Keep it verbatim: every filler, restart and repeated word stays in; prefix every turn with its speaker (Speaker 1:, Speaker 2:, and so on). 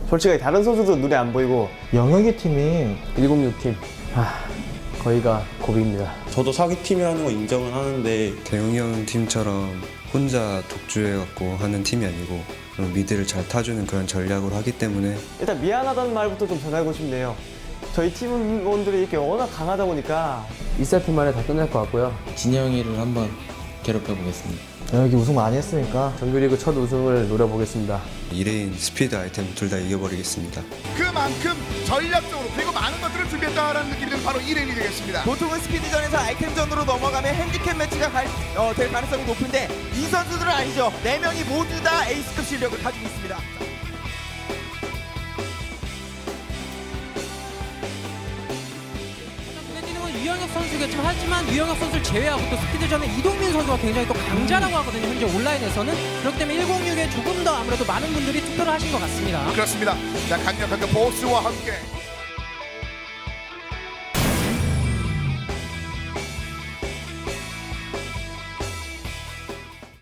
Speaker 1: 솔직히 다른 선수도 눈에 안 보이고
Speaker 2: 영혁이 팀이
Speaker 1: 일공육 팀 아, 거의가 고비입니다.
Speaker 3: 저도 사기팀이라는 거 인정을 하는데
Speaker 4: 대웅이 형 팀처럼 혼자 독주해갖고 하는 팀이 아니고 미드를 잘 타주는 그런 전략으로 하기 때문에
Speaker 1: 일단 미안하다는 말부터 좀 전하고 싶네요. 저희 팀원들이 이렇게 워낙 강하다 보니까 이 세트 만에 다 끝날 것 같고요.
Speaker 5: 진영이를 한번 괴롭혀보겠습니다.
Speaker 2: 영혁이 우승 많이 했으니까
Speaker 1: 정규리그 첫 우승을 노려보겠습니다.
Speaker 4: 이 레인, 스피드, 아이템 둘 다 이겨버리겠습니다.
Speaker 6: 그만큼 전략적으로 그리고 많은 것들을 준비했다라는 느낌이 드는 바로 이 레인이 되겠습니다.
Speaker 7: 보통은 스피드전에서 아이템전으로 넘어가면 핸디캡 매치가 갈, 어, 될 가능성이 높은데 이 선수들은 아니죠. 네 명이 모두 다 에이스급 실력을 가지고 있습니다.
Speaker 8: 유영혁 선수겠지만 하지만 유영혁 선수를 제외하고 또 스피드전에 이동민 선수가 굉장히 또 강자라고 하거든요. 현재 온라인에서는. 그렇기 때문에 일공육에 조금 더 아무래도 많은 분들이 투표를 하신 것 같습니다.
Speaker 6: 그렇습니다. 자, 강력한 그 보스와 함께